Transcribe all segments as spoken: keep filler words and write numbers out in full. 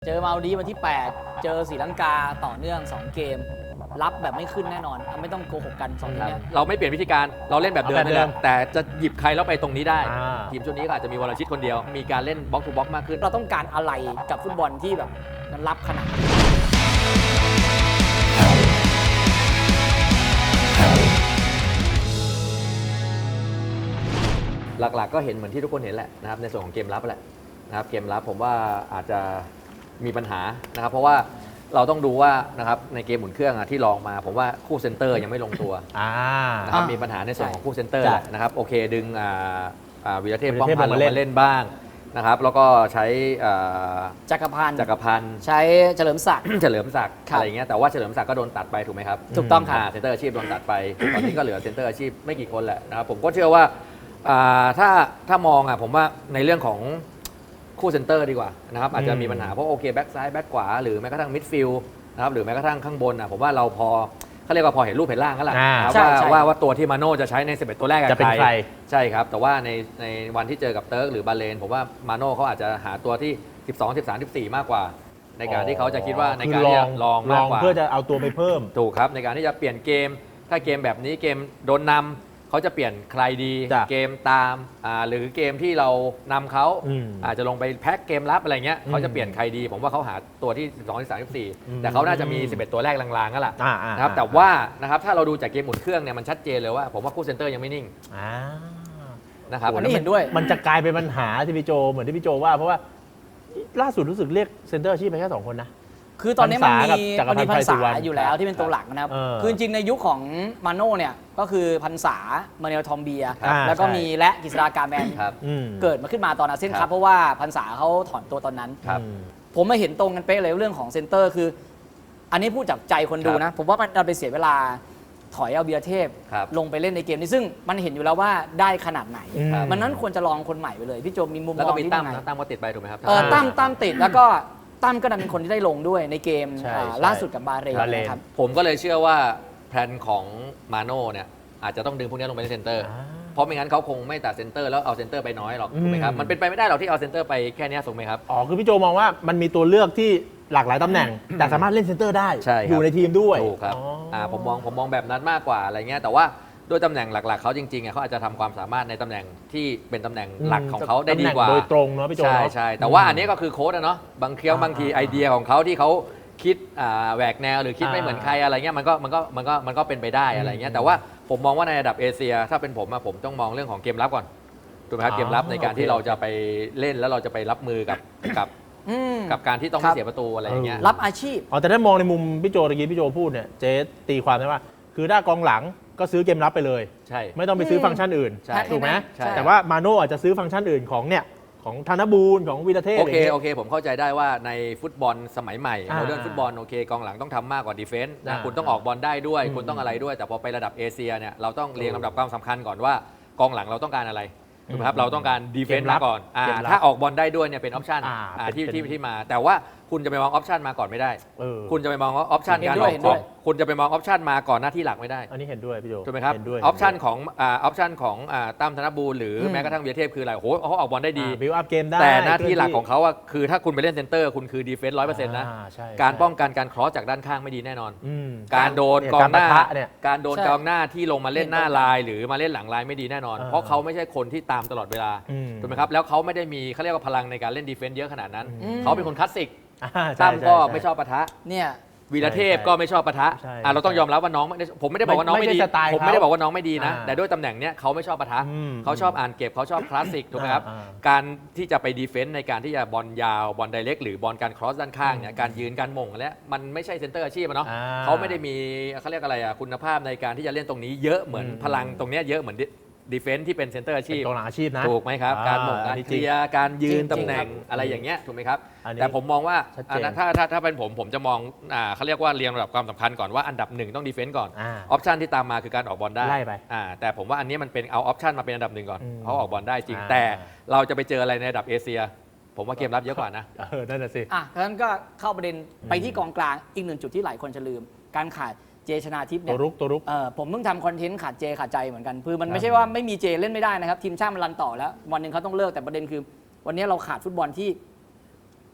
เจอมาลดีวันที่แปดเจอศรีลังกาต่อเนื่องสองเกมรับแบบไม่ขึ้นแน่นอนไม่ต้องโกหกกันสองทีนี้เราไม่เปลี่ยนวิธีการเราเล่นแบบเดิมนี่แหละแต่จะหยิบใครแล้วไปตรงนี้ได้ทีมชุดนี้ก็อาจจะมีวรชิตคนเดียวมีการเล่นบล็อกทูบล็อกมากขึ้นเราต้องการอะไรกับฟุตบอลที่แบบมันรับขนาดหลักๆก็เห็นเหมือนที่ทุกคนเห็นแหละนะครับในส่วนของเกมรับแหละนะครับเกมรับผมว่าอาจจะมีปัญหานะครับเพราะว่าเราต้องดูว่านะครับในเกมหมุนเครื่องที่ลองมาผมว่าคู่เซนเตอร์ยังไม่ลงตัวนะครับมีปัญหาในส่วนของคู่เซนเตอร์นะครับโอเคดึงวีรเทพป้องพันลงมาเล่นบ้างนะครับแล้วก็ใช้จักรพันธ์จักรพันธ์ใช้เฉลิมศักดิ์เฉลิมศักดิ์อะไรอย่างเงี้ยแต่ว่าเฉลิมศักดิ์ก็โดนตัดไปถูกไหมครับถูกต้องครับเซนเตอร์อาชีพโดนตัดไปตอนนี้ก็เหลือเซนเตอร์อาชีพไม่กี่คนแหละนะครับผมก็เชื่อว่าถ้าถ้ามองอ่ะผมว่าในเรื่องของคู่เซนเตอร์ดีกว่านะครับอาจจะมีปัญหาเพราะโอเคแบ็กซ้ายแบ็กขวาหรือแม้กระทั่งมิดฟิลด์นะครับหรือแม้กระทั่งข้างบนอ่ะผมว่าเราพอเขาเรียกว่าพอเห็นรูปเห็นร่างกันแหละว่าว่าว่าตัวที่มาโน่จะใช้ในสิบเอ็ดตัวแรกจะเป็นใครใช่ครับแต่ว่าในในวันที่เจอกับเติร์กหรือบาเลนผมว่ามาโน่เขาอาจจะหาตัวที่สิบสอง สิบสาม สิบสี่มากกว่าในการที่เขาจะคิดว่าในการที่จะลองมากกว่าเพื่อจะเอาตัวไปเพิ่มถูกครับในการที่จะเปลี่ยนเกมถ้าเกมแบบนี้เกมโดนนำเขาจะเปลี่ยนใครดีเกมตามหรือเกมที่เรานำเขาอาจจะลงไปแพ็คเกมรับอะไรเงี้ยเขาจะเปลี่ยนใครดีผมว่าเขาหาตัวที่สิบสอง สิบสาม สิบสี่แต่เขาน่าจะมีสิบเอ็ดตัวแรกลางๆก็แหละนะครับแต่ว่านะครับถ้าเราดูจากเกมหมุนเครื่องเนี่ยมันชัดเจนเลยว่าผมว่าคู่เซนเตอร์ยังไม่นิ่งนะครับอันนี้เห็นด้วยมันจะกลายเป็นปัญหาที่พี่โจเหมือนที่พี่โจว่าเพราะว่าล่าสุดรู้สึกเรียกเซนเตอร์อาชีพไปแค่สองคนนะคือตอนนี้มันมีมันมีพันษาอยู่แล้วที่เป็นตัวหลักนะครับคือจริงในยุคของมาโน่เนี่ยก็คือพันษามาเนลทอมเบียแล้วก็มีและกฤษฎากาแมนเกิดมาขึ้นมาตอนอาเซียนคัพเพราะว่าพันษาเขาถอนตัวตอนนั้นผมมาเห็นตรงกันเป๊ะเลยเรื่องของเซนเตอร์คืออันนี้พูดจากใจคนดูนะผมว่ามันเราไปเสียเวลาถอยเอาเบียร์เทพลงไปเล่นในเกมนี้ซึ่งมันเห็นอยู่แล้วว่าได้ขนาดไหนมันนั้นควรจะลองคนใหม่ไปเลยพี่โจมีมุมมองที่ยังไงตั้มก็ติดไปถูกไหมครับตั้มตั้มติดแล้วก็ตั้มก็ดันเป็นคนที่ได้ลงด้วยในเกมล่าสุดกับบาเรนนะครับผมก็เลยเชื่อว่าแผนของมาโน่เนี่ยอาจจะต้องดึงพวกนี้ลงไปในเซนเตอร์เพราะไม่งั้นเขาคงไม่ตัดเซนเตอร์แล้วเอาเซนเตอร์ไปน้อยหรอกถูกไหมครับมันเป็นไปไม่ได้หรอกที่เอาเซนเตอร์ไปแค่นี้ถูกไหมครับอ๋อคือพี่โจมองว่ามันมีตัวเลือกที่หลากหลายตำแหน่งแต่สามารถเล่นเซนเตอร์ได้อยู่ในทีมด้วยถูกครับผมมองผมมองแบบนั้นมากกว่าอะไรเงี้ยแต่ว่าด้วยตำแหน่งหลักๆเขาจริงๆเขาอาจจะทำความสามารถในตำแหน่งที่เป็นตำแหน่งหลักของเขาได้ดีกว่าโดยตรงเนาะพี่โจใช่ใช่แต่ว่าอันนี้ก็คือโค้ชนะเนาะบางเคี้ยวบางทีไอเดียของเขาที่เขาคิดแหวกแนวหรือคิดไม่เหมือนใครอะไรเงี้ยมันก็มันก็มันก็มันก็เป็นไปได้อะไรเงี้ยแต่ว่าผมมองว่าในระดับเอเชียถ้าเป็นผมผมต้องมองเรื่องของเกมรับก่อนถูกไหมครับเกมรับในการที่เราจะไปเล่นแล้วเราจะไปรับมือกับกับกับการที่ต้องไม่เสียประตูอะไรอย่างเงี้ยรับอาชีพอ๋อแต่ถ้ามองในมุมพี่โจตะกี้พี่โจพูดเนี่ยเจ๊ตีความได้ว่าคือถ้ากองหลังก็ซื้อเกมรับไปเลยใช่ไม่ต้องไปซื้อฟังก์ชันอื่นถูกไหมแต่ว่ามาโน่อาจจะซื้อฟังก์ชันอื่นของเนี่ยของธนบูรณ์ของวีรเทพโอเคโอเคผมเข้าใจได้ว่าในฟุตบอลสมัยใหม่โมเดิร์นฟุตบอลโอเคกองหลังต้องทำมากกว่าดีเฟนส์นะคุณต้องออกบอลได้ด้วยคุณต้องอะไรด้วยแต่พอไประดับเอเชียเนี่ยเราต้องเรียงลำดับความสำคัญก่อนว่ากองหลังเราต้องการอะไรถูกไหมครับเราต้องการดีเฟนส์มาก่อนถ้าออกบอลได้ด้วยเนี่ยเป็นออปชั่นที่ที่ที่มาแต่ว่าคุณจะไปมองออปชันมาก่อนไม่ได้คุณจะไปมองออปชันการออกคุณจะไปมองออปชันมาก่อนหน้าที่หลักไม่ได้อันนี้เห็นด้วยพี่โจถูกไหมครับออปชันของออปชันของตั้มธนบูรณ์หรือแม้กระทั่งวีรเทพคืออะไรโอ้โหเขาออกบอลได้ดีบิวอัพเกมได้แต่หน้าที่หลักของเขาคือถ้าคุณไปเล่นเซนเตอร์คุณคือดีเฟนส์ร้อยเปอร์เซ็นต์นะการป้องกันการครอสจากด้านข้างไม่ดีแน่นอนการโดนกองหน้าการโดนกองหน้าที่ลงมาเล่นหน้าลายหรือมาเล่นหลังลายไม่ดีแน่นอนเพราะเขาไม่ใช่คนที่ตามตลอดเวลาถูกไหมครับแล้วเขาไม่ได้มีเขาเรียกว่าพลังในการเล่นดีเฟนส์เยอะขนาดนั้นเขาเป็นคนคลาสสิกตั้มก็ไม่ชอบปะทะเนี่ยวีรเทพก็ไม่ชอบปะทะเราต้องยอมรับว่าน้องผมไม่ได้บอกว่าน้องไม่ดีผมไม่ได้บอกว่าน้องไม่ดีนะแต่ด้วยตำแหน่งเนี้ยเขาไม่ชอบปะทะเขาชอบอ่านเก็บเขาชอบคลาสสิกถูกไหมครับการที่จะไปดีเฟนต์ในการที่จะบอลยาวบอลไดเรกหรือบอลการครอสด้านข้างเนี่ยการยืนการมงและมันไม่ใช่เซนเตอร์อาชีพเนาะเขาไม่ได้มีเขาเรียกอะไรอะคุณภาพในการที่จะเล่นตรงนี้เยอะเหมือนพลังตรงนี้เยอะเหมือนดีเฟนส์ที่เป็นเซนเตอร์อาชีพกองหลังอาชีพนะถูกไหมครับการหม่งการเคลียร์การยืนตำแหน่งอะไรอย่างเงี้ยถูกไหมครับแต่ผมมองว่าถ้าถ้าถ้าเป็นผมผมจะมองเขาเรียกว่าเรียงระดับความสำคัญก่อนว่าอันดับหนึ่งต้องดีเฟนส์ก่อนออปชันที่ตามมาคือการออกบอลได้แต่ผมว่าอันนี้มันเป็นเอาออปชันมาเป็นอันดับหนึ่งก่อนเขาออกบอลได้จริงแต่เราจะไปเจออะไรในระดับเอเชียผมว่าเกมรับเยอะกว่านะเออนั่นแหละสิอ่ะงั้นก็เข้าประเด็นไปที่กองกลางอีกหนึ่งจุดที่หลายคนจะลืมการขาดเจชนาทิพย์เนี่ยตัวรุกตัวรุกเออผมเพิ่งทำคอนเทนต์ขาดเจขาดใจเหมือนกันคือมันไม่ใช่ว่าไม่มีเจเล่นไม่ได้นะครับทีมชาติมันรันต่อแล้ววันหนึ่งเขาต้องเลิกแต่ประเด็นคือวันนี้เราขาดฟุตบอลที่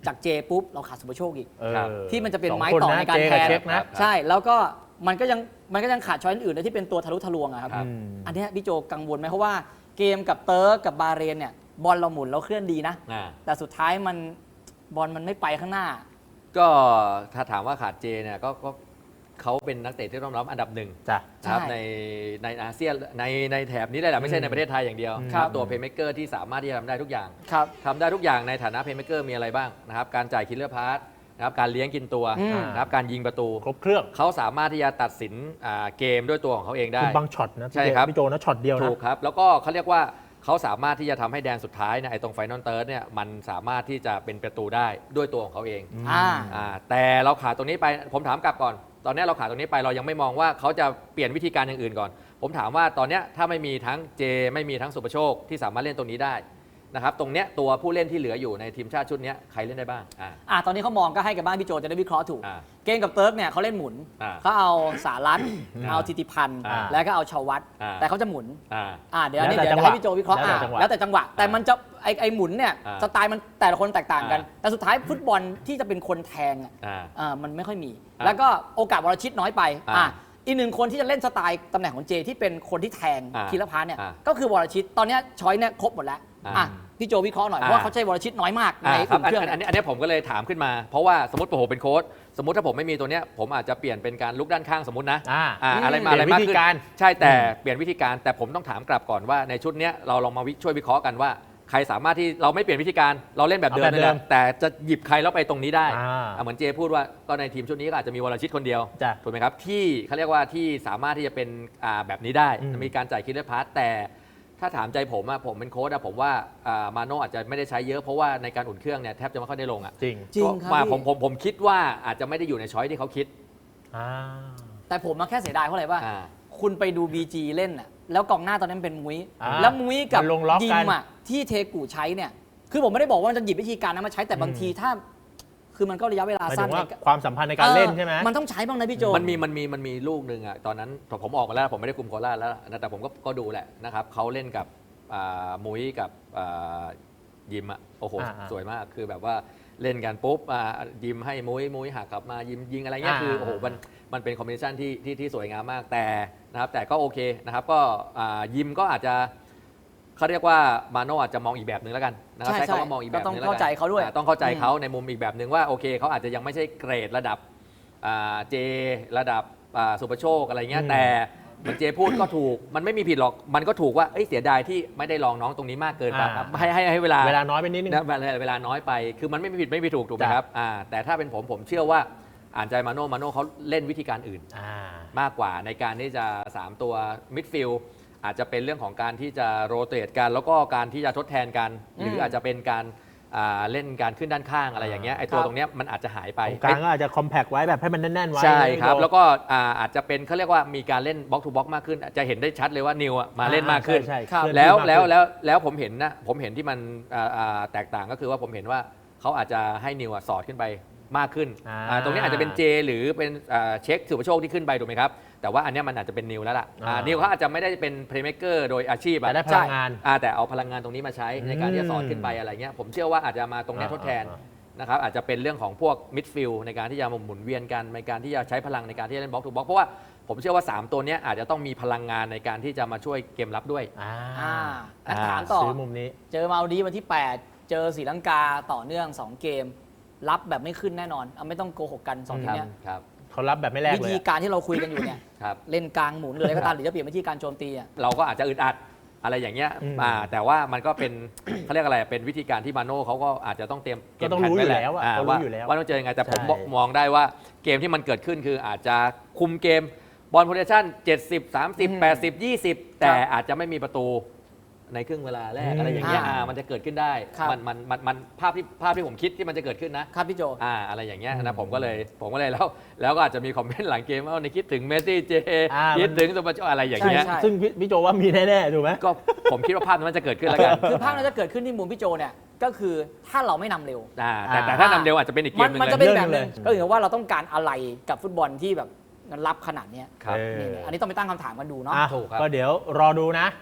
จากเจปุ๊บเราขาดสุภโชคอีกเออที่มันจะเป็นสองไม้คนต่อนะในการเจแทกับนเช็คนะใช่แล้วก็มันก็ยังมันก็ยังขาดช้อยอื่นๆที่เป็นตัวทะลุทะลวงอะครับครับอันเนี้ยพี่โจกังวลไหมเพราะว่าเกมกับเติร์กกับบาเรนเนี่ยบอลเราหมุนเราเคลื่อนดีนะอ่าแต่สุดท้ายมันบอลมันไม่ไปข้างหน้าก็ถ้าถามว่าขาดเจเนี่ยก็ก็เขาเป็นนักเตะที่ต้องรับอันดับหนึ่งจ้ะนะครับใช่ในในอาเซียนในในแถบนี้เลยแหละไม่ใช่ในประเทศไทยอย่างเดียวครับตัวเพย์เม k เกอร์ที่สามารถที่จะทำได้ทุกอย่างครับทำได้ทุกอย่างในฐานะเพย์เม k เกอร์มีอะไรบ้างนะครับการจ่ายคิลเลอร์พาสนะครับการเลี้ยงกินตัวอืมนะครับการยิงประตูครบเครื่องเขาสามารถที่จะตัดสินอ่าเกมด้วยตัวของเขาเองได้คือบางช็อตนะใช่ครับพี่โจนะช็อตเดียวนะถูกครับ แล้วก็เขาเรียกว่าเขาสามารถที่จะทำให้แดนสุดท้ายเนี่ยไอ้ตรงไฟนอลเติร์ดเนี่ยมันสามารถที่จะเป็นประตูได้ด้วยตัวของเขาเองอ่าอ่าแต่เราขาดตรงนี้ไปผมถามกลับก่อน ตอนนี้เราขาดตรงนี้ไปเรายังไม่มองว่าเขาจะเปลี่ยนวิธีการอย่างอื่นก่อน ผมถามว่าตอนเนี้ยถ้าไม่มีทั้งเจไม่มีทั้งสุประโชคที่สามารถเล่นตรงนี้ได้นะครับตรงเนี้ยตัวผู้เล่นที่เหลืออยู่ในทีมชาติชุดเนี้ยใครเล่นได้บ้างอ่าอ่ะตอนนี้เขามองก็ให้กับบ้านพี่โจจะได้วิเคราะห์ถูกอ่าเกมกับเติร์กเนี่ยเขาเล่นหมุนอ่าเขาเอาสารัตเอาทิติพันธ์อ่าแล้วก็เอาชาววัตอ่าแต่เขาจะหมุนอ่าอ่าเดี๋ยวอันนี้แล้วแต่เดี๋ยวจังหวะให้พี่โจวิเคราะห์แล้วแต่อ่าจังหวะแล้วแต่จังหวะ แต่มันจะไอไอหมุนเนี่ยอ่าสไตล์มันแต่ละคนแตกต่างกันอ่าแต่สุดท้ายฟุตบอลที่จะเป็นคนแทงอ่ะอ่าอ่ามันไม่ค่อยมีอ่าแล้วก็โอกาสวรชิตน้อยไปอ่าอ่าอีกหนึ่งคนที่จะเล่นสไตล์ตำแหน่งของเจที่เป็นคนที่แทงอ่าคีรพาสเนี่ยอ่าก็คือวรชิตตอนเนี้ยช้อยเนี่ยครบหมดแล้วอ่าอ่ะพี่โจวิเคราะห์หน่อยเพอ่าราะว่าเขาใช้วรชิตน้อยมากในอ่าครับอุ่นเครื่องอันอันนี้อันนี้ผมก็เลยถามขึ้นมา เพราะว่าสมมติผมเป็นโค้ชสมมติถ้าผมไม่มีตัวเนี้ยผมอาจจะเปลี่ยนเป็นการลุกด้านข้างสมมตินะอ่าอ่าอืมอะไรมาอะไรเปลี่มาย กนวิธีขึ้นการใช่แต่เปลี่ยนวิธีการแต่ผมต้องถามกลับก่อนว่าในชุดเนี้ยเราลองมาวิช่วยวิเคราะห์กันว่าใครสามารถที่เราไม่เปลี่ยนวิธีการเราเล่นแบบเดิมเอาแบบนี่แหละเดิมแต่จะหยิบใครแล้วไปตรงนี้ได้อ่าอ่ะเหมือนเจพูดว่าก็ในทีมชุดนี้ก็อาจจะมีวรชิตคนเดียวจ้ะถูกไหมครับที่เขาเรียกว่าที่สามารถที่จะเป็นอ่าแบบนี้ได้อืมมีการจ่ายคิดเลอร์พาสแต่ถ้าถามใจผมอะผมเป็นโค้ชอะผมว่าอ่ามาโน่อาจจะไม่ได้ใช้เยอะเพราะว่าในการอุ่นเครื่องเนี่ยแทบจะไม่ค่อยได้ลงอะจริงจริงครับมาพี่ผมผมผมคิดว่าอาจจะไม่ได้อยู่ในช้อยที่เขาคิดอ่าแต่ผมมาแค่เสียดายเพราะอะไรว่าอ่าคุณไปดู บี จี เล่นน่ะแล้วกองหน้าตอนนั้นเป็นมุ้ยอ่าแล้วมุ้ยกับมันลงล็อกยิกันมอ่ะที่เทกูใช้เนี่ยคือผมไม่ได้บอกว่ามันจะหยิบวิธีการนั้นมาใช้แต่บางทีถ้า คือมันก็ระยะเวลาหมายสั้ถึนงว่าในความสัมพันธ์ในการเล่นใช่ไหมมันต้องใช้บ้างนะพี่โจมันมีมันมีมันมีลูกหนึ่งอะตอนนั้นผมออกมาแล้วผมไม่ได้คุมโคราชแล้วนะแต่ผมก็ก็ดูแหละนะครับเขาเล่นกับอ่ามุ้ยกับอ่ายิมอะโอ้โหอ่าอ่าสวยมากคือแบบว่าเล่นกันปุ๊บอ่ายิมให้มุ้ยมุ้ยหักกลับมายิมยิงอะไรเงี้ยอ่าคือโอ้โหมันมันเป็นคอมบิเนชันที่ที่ที่สวยงามมากแต่นะครับแต่ก็โอเคนะครับก็อ่ายิมก็อาจจะเขาเรียกว่ามาโน่อาจจะมองอีกแบบหนึ่งแล้วกันนะครับใช่ใช้คำว่ามองอีกแบบหก็นึงต้องแล้วกันเข้าใจเขาด้วยอ่ต้องเข้าใจเขาในมุมอีกแบบหนึ่งว่าโอเคเขาอาจจะยังไม่ใช่เกรดระดับอ่าเจระดับอ่าสุประโชคอะไรเงี้ยอืมแต่เหมือนเจพูดก็ถูกมันไม่มีผิดหรอกมันก็ถูกว่าเอ้ยเสียดายที่ไม่ได้ลองน้องตรงนี้มากเกินไปอ่าให้ให้ให้เวลาเวลาน้อยไปนิดนึงนะเวลาเวลาน้อยไป คือมันไม่มีผิดไม่มีถูกถูกไหมจ้ะครับอ่าแต่ถ้าเป็นผมผมเชื่อว่าอ่านใจมาโน่มาโน่เขาเล่นวิธีการอื่นอ่ามากกว่าในการที่จะ สาม ตัวมิดฟิลด์อาจจะเป็นเรื่องของการที่จะโรเตทกัน แล้วก็การที่จะทดแทนกัน หรืออาจจะเป็นการอ่าเล่นการขึ้นด้านข้างอะไรอย่างเงี้ยไอ้ตัวครับตรงเนี้ยมันอาจจะหายไปตรงกลางก็อาจจะคอมแพกไว้แบบให้มันแน่นๆไว้ใช่ครับนะแล้วก็อ่าอาจจะเป็นเขาเรียกว่ามีการเล่นบล็อกทูบล็อกมากขึ้น จะเห็นได้ชัดเลยว่านิวอะมาเล่นมากขึ้นใช่ครับใช่แล้วเคลื่อนที่แล้วมากขึ้นแล้วแล้วผมเห็นนะผมเห็นที่มันอ่าอ่าแตกต่างก็คือว่าผมเห็นว่าเขาอาจจะให้นิวอะสอดขึ้นไปมากขึ้นอ่าอ่าตรงนี้อาจจะเป็นเจหรือเป็นอ่าเช็คสุภโชคที่ขึ้นไปถูกไหมครับแต่ว่าอันเนี้ยมันอาจจะเป็นนิวแล้วล่ะอ่าอ่านินิวเขาอาจจะไม่ได้เป็นเพลย์เม k เกอร์โดยอาชีพอะแต่ได้พลังงานอ่าแต่เอาพลังงานตรงนี้มาใช้ในการที่จะสอดขึ้นไปอะไรเงี้ยผมเชื่อว่าอาจจะมาตรงเนี้ยทดแทนอ่านะครับอาจจะเป็นเรื่องของพวกมิดฟิลด์ในการที่จะมาหมุนเวียนกันในการที่จะใช้พลังในการที่จะเล่นบล็อกทูบล็อกเพราะว่าผมเชื่อว่า สาม ตัวเนี้ยอาจจะต้องมีพลังงานในการที่จะมาช่วยเกมรับด้วยอ่าอ่าอ่าถามต่อซื้อมุมนี้เจอมาเอาดีวันที่ แปด เจอศรีลังกาต่อเนื่อง สอง เกม รับแบบไม่ขึ้นแน่นอนเอาไม่ต้องโกหกกันสองทีมเนี้ยครับเขารับแบบไม่แลกวิเลยธีอะการที่เราคุยกันอยู่เนี่ยครับเล่นกลางหมุนหรืออะไรก็ตามหรือจะเปลี่ยนวิธีการโจมตีอ่ะเราก็อาจจะอึดอัดอะไรอย่างเงี้ยอืมอ่าแต่ว่ามันก็เป็น เขาเรียกอะไรเป็นวิธีการที่มาโน่เขาก็อาจจะต้องเตรียมก็ต้องเมรู้ผนอยู่ไแหแล้วอะอ่าเขารู้ว่าอยู่แล้วว่าต้องเจอยังไงแต่ผมใช่บอกมองได้ว่าเกมที่มันเกิดขึ้นคืออาจจะคุมเกมบอลโพเทชั่นเจ็ดสิบ สามสิบอืมแปดสิบ ยี่สิบ แต่อาจจะไม่มีประตูในครึ่งเวลาแรกอืมอะไรอย่างเงี้ยอ่าอ่ามันจะเกิดขึ้นได้ครับมันมันมันมันภาพที่ภาพที่ผมคิดที่มันจะเกิดขึ้นนะครับพี่โจอ่าอะไรอย่างเงี้ยอืนะมผมก็เลยผมก็เลยแล้วแล้วก็อาจจะมีคอมเมนต์หลังเกมว่าในคิดถึงเมสซี่เจอ่าคิดมันถึงสุปโชคอะไรอย่างเงี้ยใช่ซึ่งพี่พี่โจว่ามีแน่ๆถูกไหมก็ผมคิดว่าภาพนั้นมันจะเกิดขึ้นแล้วกันคือภาพนั้นจะเกิดขึ้นที่มุมพี่โจเนี่ยก็คือถ้าเราไม่นำเร็วอ่าแต่อ่าแต่ถ้านำเร็วอาจจะเป็นอีกเกมัมนหนึงมันเลจะยเป็นแบบนึงเรื่องหนึ่งเลยก็คือว่าเราต้องการอะไรกับฟุตบอลที่แบบมันรับขนาดเนี้ยครับเออนี่ๆอันนี้ต้องไปตั้งคำถามกันดูเนาะอ่ะถูกครับก็เดี๋ยวรอดูนะ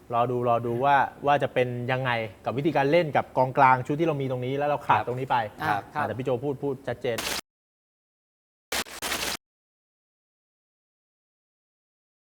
รอดูรอดูว่าว่าจะเป็นยังไงกับวิธีการเล่นกับกองกลางชุดที่เรามีตรงนี้แล้วเราขาดตรงนี้ไปแต่พี่โจพูดพูดชัดเจน